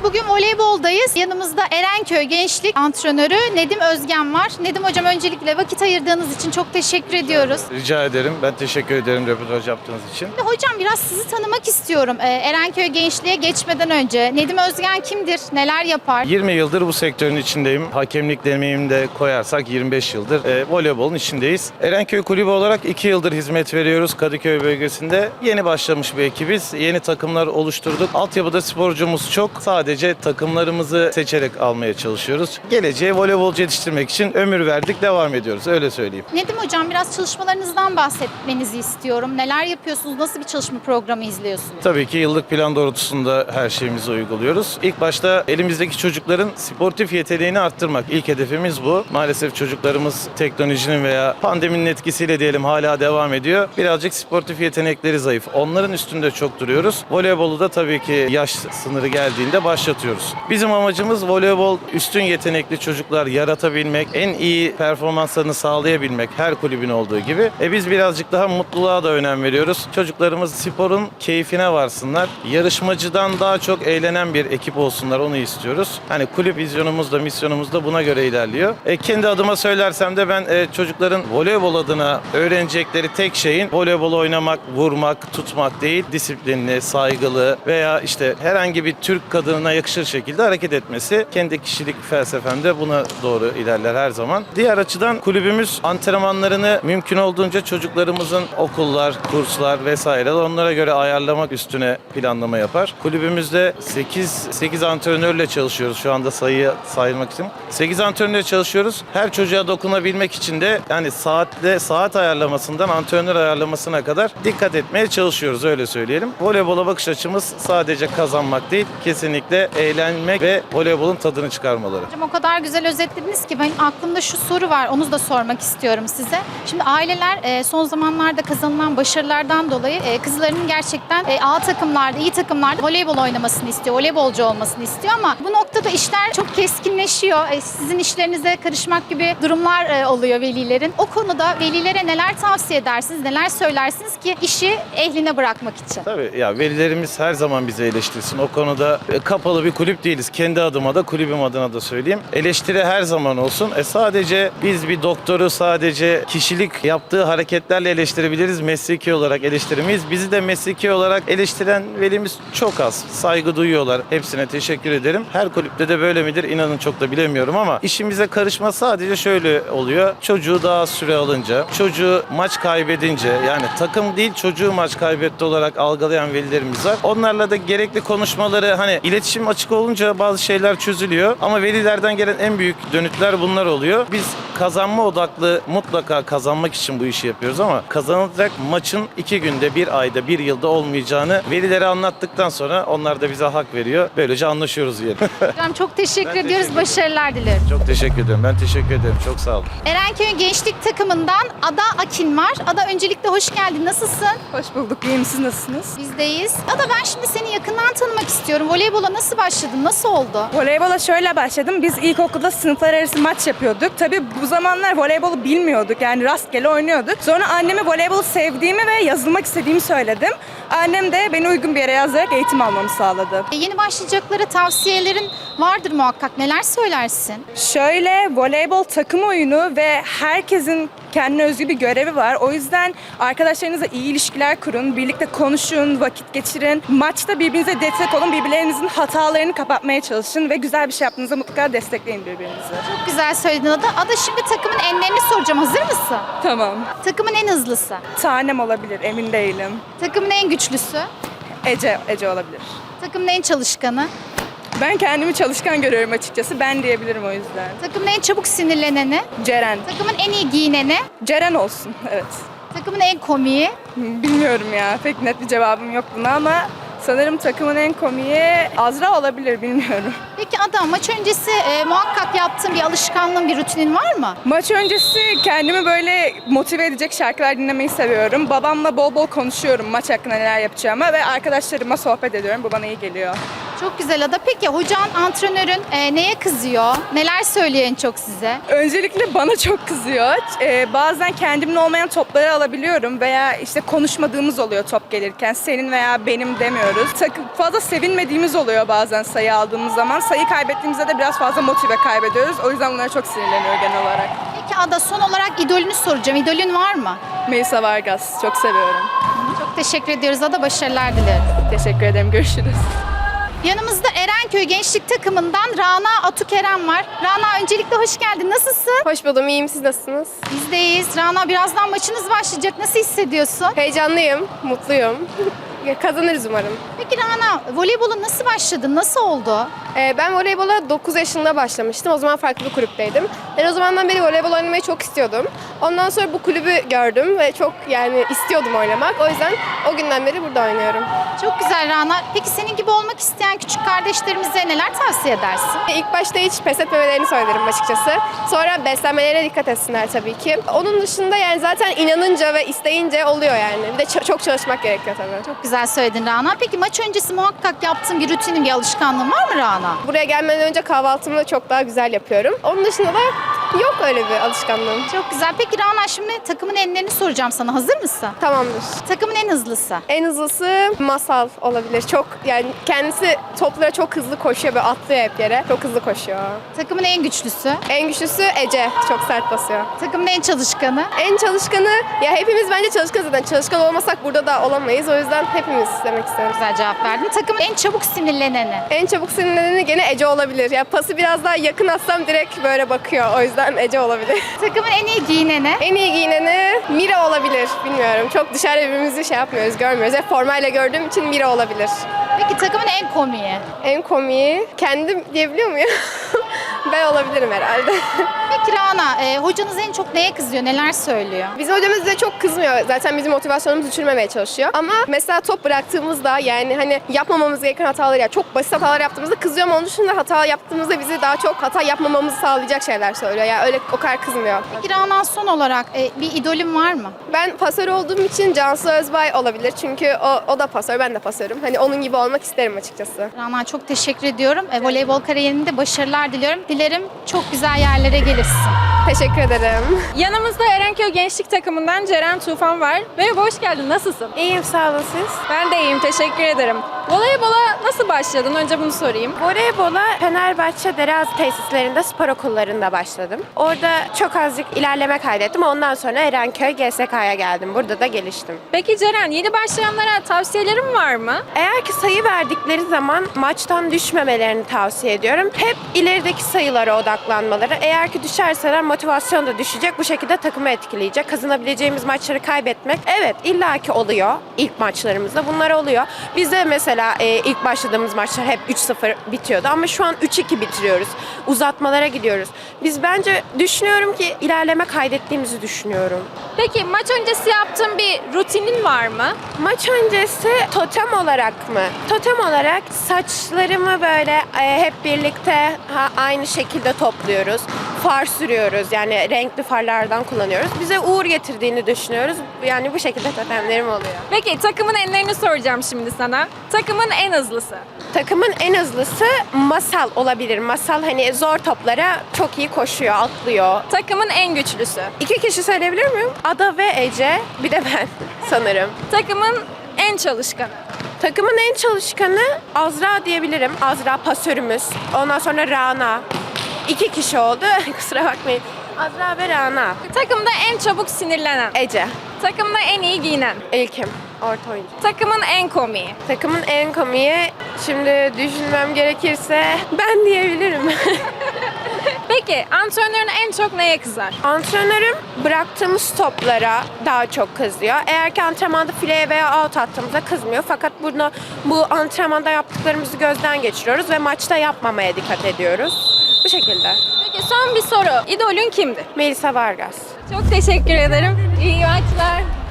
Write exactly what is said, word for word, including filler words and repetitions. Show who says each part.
Speaker 1: Bugün voleyboldayız. Yanımızda Erenköy Gençlik Antrenörü Nedim Özgen var. Nedim Hocam, öncelikle vakit ayırdığınız için çok teşekkür ediyoruz.
Speaker 2: Rica ederim. Ben teşekkür ederim röportaj yaptığınız için.
Speaker 1: Hocam, biraz sizi tanımak istiyorum. Ee, Erenköy Gençliğe geçmeden önce Nedim Özgen kimdir? Neler yapar?
Speaker 2: yirmi yıldır bu sektörün içindeyim. Hakemlik deneyimimi de koyarsak yirmi beş yıldır e, voleybolun içindeyiz. Erenköy Kulübü olarak iki yıldır hizmet veriyoruz Kadıköy bölgesinde. Yeni başlamış bir ekibiz. Yeni takımlar oluşturduk. Altyapıda sporcumuz çok. Sadece takımlarımızı seçerek almaya çalışıyoruz. Geleceğe voleybolcu yetiştirmek için ömür verdik, devam ediyoruz. Öyle söyleyeyim.
Speaker 1: Nedim Hocam, biraz çalışmalarınızdan bahsetmenizi istiyorum. Neler yapıyorsunuz? Nasıl bir çalışma programı izliyorsunuz?
Speaker 2: Tabii ki yıllık plan doğrultusunda her şeyimizi uyguluyoruz. İlk başta elimizdeki çocukların sportif yeteneğini arttırmak. İlk hedefimiz bu. Maalesef çocuklarımız teknolojinin veya pandeminin etkisiyle diyelim hala devam ediyor. Birazcık sportif yetenekleri zayıf. Onların üstünde çok duruyoruz. Voleybolu da tabii ki yaş sınırı geldiğinde başlatıyoruz. Bizim amacımız voleybol üstün yetenekli çocuklar yaratabilmek, en iyi performanslarını sağlayabilmek, her kulübün olduğu gibi. E biz birazcık daha mutluluğa da önem veriyoruz. Çocuklarımız sporun keyfine varsınlar. Yarışmacıdan daha çok eğlenen bir ekip olsunlar, onu istiyoruz. Hani kulüp vizyonumuz da misyonumuz da buna göre ilerliyor. E kendi adıma söylersem de ben e, çocukların voleybol adına öğrenecekleri tek şeyin voleybol oynamak, vurmak, tutmak değil, disiplinli, saygılı veya işte herhangi bir Türk kadınına yakışır şekilde hareket etmesi. Kendi kişilik felsefemde buna doğru ilerler her zaman. Diğer açıdan kulübümüz antrenmanlarını mümkün olduğunca çocuklarımızın okullar, kurslar vesaire onlara göre ayarlamak üstüne planlama yapar. Kulübümüzde sekiz sekiz antrenörle çalışıyoruz şu anda, sayıyı saymak için. sekiz antrenörle çalışıyoruz. Her çocuğa dokunabilmek için de yani saatle saat ayarlamasından antrenör ayarlamasına kadar dikkat etmeye çalışıyoruz, öyle söyleyelim. Voleybola bakış açımız sadece kazanmak değil, kesinlikle eğlenmek ve voleybolun tadını çıkarmaları.
Speaker 1: Hocam, o kadar güzel özetlediniz ki benim aklımda şu soru var. Onu da sormak istiyorum size. Şimdi aileler e, son zamanlarda kazanılan başarılardan dolayı e, kızlarının gerçekten e, A takımlarda, iyi takımlarda voleybol oynamasını istiyor, voleybolcu olmasını istiyor ama bu noktada işler çok keskinleşiyor. E, sizin işlerinize karışmak gibi durumlar e, oluyor velilerin. O konuda velilere neler tavsiye edersiniz, neler söylersiniz ki işi ehline bırakmak için?
Speaker 2: Tabii ya, velilerimiz her zaman bizi eleştirsin. O konuda e, kapalı bir kulüp değiliz. Kendi adıma da kulübüm adına da söyleyeyim. Eleştiri her zaman olsun. E sadece biz bir doktoru sadece kişilik yaptığı hareketlerle eleştirebiliriz. Mesleki olarak eleştiremeyiz. Bizi de mesleki olarak eleştiren velimiz çok az. Saygı duyuyorlar. Hepsine teşekkür ederim. Her kulüpte de böyle midir? İnanın çok da bilemiyorum ama işimize karışma sadece şöyle oluyor. Çocuğu daha süre alınca, çocuğu maç kaybedince, yani takım değil çocuğu maç kaybetti olarak algılayan velilerimiz var. Onlarla da gerekli konuşmaları, hani iletişim açık olunca bazı şeyler çözülüyor ama velilerden gelen en büyük dönütler bunlar oluyor. Biz kazanma odaklı, mutlaka kazanmak için bu işi yapıyoruz ama kazanılacak maçın iki günde, bir ayda, bir yılda olmayacağını velilere anlattıktan sonra onlar da bize hak veriyor. Böylece anlaşıyoruz diyelim.
Speaker 1: Hocam, çok teşekkür
Speaker 2: Ben
Speaker 1: ediyoruz.
Speaker 2: teşekkür
Speaker 1: Başarılar dilerim.
Speaker 2: Çok teşekkür ederim. Ben teşekkür ederim. Çok sağ olun.
Speaker 1: Erenköy Gençlik takımından Ada Akin var. Ada, öncelikle hoş geldin. Nasılsın?
Speaker 3: Hoş bulduk. İyiyim. Siz nasılsınız?
Speaker 1: Bizdeyiz. Ada, ben şimdi seni yakından tanımak istiyorum. Voleybola nasıl başladın? Nasıl oldu?
Speaker 3: Voleybola şöyle başladım. Biz ilkokulda sınıflar arası maç yapıyorduk. Tabii bu zamanlar voleybolu bilmiyorduk. Yani rastgele oynuyorduk. Sonra anneme voleybolu sevdiğimi ve yazılmak istediğimi söyledim. Annem de beni uygun bir yere yazarak eğitim almamı sağladı.
Speaker 1: E, Yeni başlayacaklara tavsiyelerin vardır muhakkak. Neler söylersin?
Speaker 3: Şöyle, voleybol takım oyunu ve herkesin kendine özgü bir görevi var. O yüzden arkadaşlarınızla iyi ilişkiler kurun, birlikte konuşun, vakit geçirin. Maçta birbirinize destek olun, birbirlerinizin hatalarını kapatmaya çalışın ve güzel bir şey yaptığınızda mutlaka destekleyin birbirinizi.
Speaker 1: Çok güzel söyledin Ada. Ada, şimdi takımın enlerini soracağım. Hazır mısın?
Speaker 3: Tamam.
Speaker 1: Takımın en hızlısı.
Speaker 3: Tanem olabilir, emin değilim.
Speaker 1: Takımın en güçlüsü.
Speaker 3: Ece, Ece olabilir.
Speaker 1: Takımın en çalışkanı.
Speaker 3: Ben kendimi çalışkan görüyorum açıkçası. Ben diyebilirim o yüzden.
Speaker 1: Takımın en çabuk sinirleneni.
Speaker 3: Ceren.
Speaker 1: Takımın en iyi giyineni.
Speaker 3: Ceren olsun, evet.
Speaker 1: Takımın en komiği.
Speaker 3: Bilmiyorum ya, pek net bir cevabım yok buna ama sanırım takımın en komiği Azra olabilir, bilmiyorum.
Speaker 1: Peki Ada, maç öncesi e, muhakkak yaptığın bir alışkanlığın, bir rutinin var mı?
Speaker 3: Maç öncesi kendimi böyle motive edecek şarkılar dinlemeyi seviyorum. Babamla bol bol konuşuyorum maç hakkında neler yapacağıma ve arkadaşlarıma sohbet ediyorum. Bu bana iyi geliyor.
Speaker 1: Çok güzel Ada. Peki hocan, antrenörün e, neye kızıyor? Neler söylüyor en çok size?
Speaker 3: Öncelikle bana çok kızıyor. Ee, bazen kendimin olmayan topları alabiliyorum veya işte konuşmadığımız oluyor top gelirken. Senin veya benim demiyoruz. Takım fazla sevinmediğimiz oluyor bazen sayı aldığımız zaman. Sayı kaybettiğimizde de biraz fazla motive kaybediyoruz. O yüzden bunlara çok sinirleniyor genel olarak.
Speaker 1: Peki Ada, son olarak idolünü soracağım. İdolün var mı?
Speaker 3: Melisa Vargas çok seviyorum.
Speaker 1: Çok teşekkür ediyoruz Ada. Başarılar dileriz.
Speaker 3: Teşekkür ederim. Görüşürüz.
Speaker 1: Yanımızda Erenköy Gençlik Takımından Rana Atukerem var. Rana, öncelikle hoş geldin. Nasılsın?
Speaker 4: Hoş buldum, iyiyim. Siz nasılsınız?
Speaker 1: Biz de iyiyiz. Rana, birazdan maçınız başlayacak. Nasıl hissediyorsun?
Speaker 4: Heyecanlıyım, mutluyum. Kazanırız umarım.
Speaker 1: Peki Rana, voleybola nasıl başladın? Nasıl oldu?
Speaker 4: Ee, ben voleybola dokuz yaşında başlamıştım. O zaman farklı bir kulüpteydim. Ben o zamandan beri voleybol oynamayı çok istiyordum. Ondan sonra bu kulübü gördüm ve çok yani istiyordum oynamak. O yüzden o günden beri burada oynuyorum.
Speaker 1: Çok güzel Rana. Peki senin gibi olmak isteyen küçük kardeşlerimize neler tavsiye edersin?
Speaker 4: İlk başta hiç pes etmemelerini söylerim açıkçası. Sonra beslenmelerine dikkat etsinler tabii ki. Onun dışında yani zaten inanınca ve isteyince oluyor yani. Bir de ç- çok çalışmak gerekiyor tabii.
Speaker 1: Çok güzel söyledin Rana. Peki maç öncesi muhakkak yaptığın bir rutinin, bir alışkanlığın var mı Rana?
Speaker 4: Buraya gelmeden önce kahvaltımı da çok daha güzel yapıyorum. Onun dışında da yok öyle bir alışkanlığım.
Speaker 1: Çok güzel. Peki Rana, şimdi takımın enlerini soracağım sana. Hazır mısın?
Speaker 4: Tamamdır.
Speaker 1: Takımın en hızlısı.
Speaker 4: En hızlısı Masal olabilir. Çok yani kendisi toplara çok hızlı koşuyor ve atlıyor hep yere. Çok hızlı koşuyor.
Speaker 1: Takımın en güçlüsü.
Speaker 4: En güçlüsü Ece. Çok sert basıyor.
Speaker 1: Takımın en çalışkanı.
Speaker 4: En çalışkanı ya hepimiz bence çalışkan zaten. Çalışkan olmasak burada da olamayız. O yüzden hepimiz demek istiyorum.
Speaker 1: Güzel cevap verdin. Takımın en çabuk sinirleneni.
Speaker 4: En çabuk sinirleneni gene Ece olabilir. Ya pası biraz daha yakın atsam direkt böyle bakıyor. O yüzden Ece olabilir.
Speaker 1: Takımın en iyi giyineni.
Speaker 4: En iyi giyineni Mira olabilir. Bilmiyorum. Çok dışarıda birbirimizi şey yapmıyoruz, görmüyoruz. Hep formayla gördüğüm için Mira olabilir.
Speaker 1: Peki takımın en komiği.
Speaker 4: En komiği kendim diyebiliyor muyum? Ben olabilirim herhalde.
Speaker 1: Peki Rana, e, hocanız en çok neye kızıyor, neler söylüyor?
Speaker 4: Bizim hocamız bize çok kızmıyor. Zaten bizim motivasyonumuzu düşürmemeye çalışıyor. Ama mesela top bıraktığımızda yani hani yapmamamız gereken hataları ya çok basit hatalar yaptığımızda kızıyor ama onun dışında hata yaptığımızda bizi daha çok hata yapmamamızı sağlayacak şeyler söylüyor. Yani öyle o kadar kızmıyor.
Speaker 1: Peki Rana, son olarak e, bir idolün var mı?
Speaker 4: Ben pasör olduğum için Cansu Özbay olabilir. Çünkü o, o da pasör, ben de pasörüm. Hani onun gibi olmak isterim açıkçası.
Speaker 1: Rana, çok teşekkür ediyorum. E, voleybol kariyerinde başarılar diliyorum. Dilerim çok güzel yerlere gelirsin.
Speaker 4: Teşekkür ederim.
Speaker 5: Yanımızda Erenköy Gençlik Takımından Ceren Tufan var. Merhaba, hoş geldin. Nasılsın?
Speaker 4: İyiyim, sağ olun siz.
Speaker 5: Ben de iyiyim, teşekkür ederim. Voleybola nasıl başladın? Önce bunu sorayım.
Speaker 6: Voleybola Fenerbahçe Derazi tesislerinde spor okullarında başladım. Orada çok azıcık ilerleme kaydettim. Ondan sonra Erenköy G S K'ya geldim. Burada da geliştim.
Speaker 5: Peki Ceren, yeni başlayanlara tavsiyelerin var mı?
Speaker 6: Eğer ki sayı verdikleri zaman maçtan düşmemelerini tavsiye ediyorum. Hep ilerideki sayılara odaklanmaları. Eğer ki düşerseler motivasyon da düşecek. Bu şekilde takımı etkileyecek. Kazanabileceğimiz maçları kaybetmek. Evet, illaki oluyor. İlk maçlarımızda bunlar oluyor. Bizde mesela e, ilk başladığımız maçlar hep üç sıfır bitiyordu ama şu an üç iki bitiriyoruz. Uzatmalara gidiyoruz. Biz bence düşünüyorum ki ilerleme kaydettiğimizi düşünüyorum.
Speaker 5: Peki maç öncesi yaptığın bir rutinin var mı?
Speaker 6: Maç öncesi totem olarak mı? Totem olarak saçlarımı böyle e, hep birlikte ha, aynı şekilde topluyoruz. Far sürüyoruz, yani renkli farlardan kullanıyoruz. Bize uğur getirdiğini düşünüyoruz. Yani bu şekilde totemlerim oluyor.
Speaker 5: Peki takımın enlerini soracağım şimdi sana. Takımın en hızlısı.
Speaker 6: Takımın en hızlısı Masal olabilir. Masal hani zor toplara çok iyi koşuyor, atlıyor.
Speaker 5: Takımın en güçlüsü.
Speaker 6: İki kişi söyleyebilir miyim? Ada ve Ece, bir de ben sanırım.
Speaker 5: Takımın en çalışkanı.
Speaker 6: Takımın en çalışkanı Azra diyebilirim. Azra pasörümüz. Ondan sonra Rana. İki kişi oldu. Kusura bakmayın. Azra ve Rana.
Speaker 5: Takımda en çabuk sinirlenen.
Speaker 6: Ece.
Speaker 5: Takımda en iyi giyinen.
Speaker 6: İlkim. Orta oyuncu.
Speaker 5: Takımın en komiği.
Speaker 6: Takımın en komiği, şimdi düşünmem gerekirse ben diyebilirim.
Speaker 5: Peki antrenörün en çok neye kızar?
Speaker 6: Antrenörüm bıraktığımız toplara daha çok kızıyor. Eğer ki antrenmanda fileye veya out attığımızda kızmıyor. Fakat bunu bu antrenmanda yaptıklarımızı gözden geçiriyoruz ve maçta yapmamaya dikkat ediyoruz. Bu şekilde.
Speaker 5: Peki son bir soru. İdolün kimdi?
Speaker 6: Melisa Vargas.
Speaker 5: Çok teşekkür ederim. İyi maçlar.